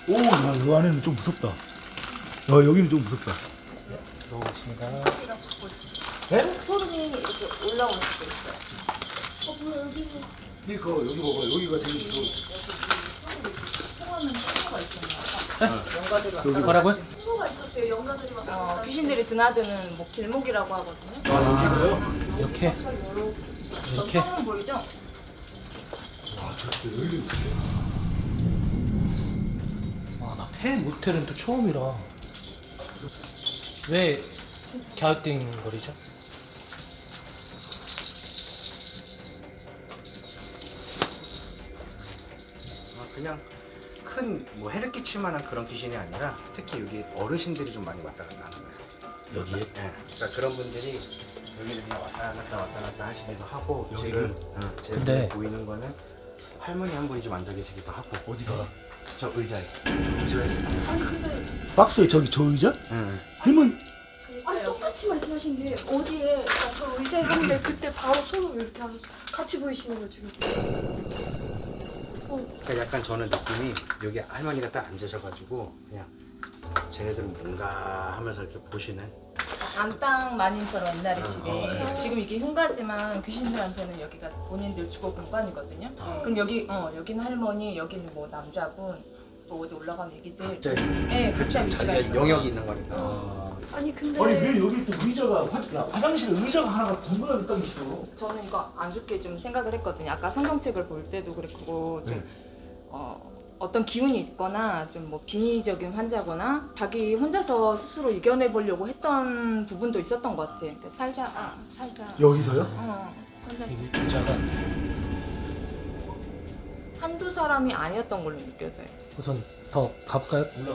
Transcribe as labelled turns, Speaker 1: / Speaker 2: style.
Speaker 1: 오, 야, 이 안에는 좀 무섭다. 야, 여기는 좀 무섭다.
Speaker 2: 들어오겠습니다.
Speaker 1: 네?
Speaker 3: 소름이 이렇게 올라올 수도 있어요. 뭐야 여기는
Speaker 1: 그러니까 여기 봐봐. 여기가 되게 무서워.
Speaker 3: 통하는 친구가 있었나 영가들이 왔다
Speaker 2: 뭐라고요?
Speaker 3: 친구가 있었대요. 영가들이 왔다 귀신들이 드나드는 뭐 길목이라고 하거든요.
Speaker 1: 아, 여기가요?
Speaker 2: 이렇게 이렇게.
Speaker 3: 성은 보이죠?
Speaker 1: 아, 저렇게 열리고
Speaker 2: 아, 나 폐 모텔은 또 처음이라. 왜 갸우뚱거리죠?
Speaker 4: 그냥 큰 뭐 해를 끼칠 만한 그런 귀신이 아니라 특히 여기 어르신들이 좀 많이 왔다 갔다 하는 거예요.
Speaker 1: 여기에?
Speaker 4: 네. 그러니까 그런 분들이 여기를 그냥 왔다 갔다 하시기도 하고
Speaker 1: 여기를?
Speaker 4: 지금
Speaker 2: 근데-
Speaker 4: 제가 보이는 거는 할머니 한 분이 좀 앉아 계시기도 하고
Speaker 1: 어디가?
Speaker 4: 저 의자에.
Speaker 3: 아니 근데
Speaker 1: 박스에 저기 저 의자?
Speaker 4: 응.
Speaker 1: 할머니,
Speaker 3: 아니 똑같이 말씀하신 게 어디에 저 의자에 갔는데 그때 바로 손을 이렇게 하셔서 같이 보이시는 거 지금.
Speaker 4: 그러니까 약간 저는 느낌이 여기 할머니가 딱 앉으셔가지고 그냥 쟤네들은 뭔가 하면서 이렇게 보시는.
Speaker 3: 안땅 마님처럼 옛날에 집에 지금 이게 흉가지만 귀신들한테는 여기가 본인들 주거 공간이거든요. 그럼 여기는 할머니, 여기는 뭐 남자분, 또 어디 올라가면 애기들.
Speaker 4: 갑자기
Speaker 3: 네, 각자
Speaker 4: 그쵸,
Speaker 3: 위치가
Speaker 4: 자기가
Speaker 3: 있는
Speaker 4: 영역이 있는 거니까.
Speaker 3: 아니 근데
Speaker 1: 아니 왜 여기 또 의자가 화장실에 의자가 하나가 덩그러니 딱 있어.
Speaker 3: 저는 이거 안 좋게 좀 생각을 했거든요. 아까 성경책을 볼 때도 그랬고 좀 어떤 기운이 있거나 좀 뭐 빙의적인 환자거나 자기 혼자서 스스로 이겨내 보려고 했던 부분도 있었던 것 같아요. 그러니까 살자.
Speaker 1: 여기서요?
Speaker 3: 혼자서
Speaker 2: 이 의자가
Speaker 3: 한두 사람이 아니었던 걸로 느껴져요.
Speaker 2: 우선 더 가볼까요?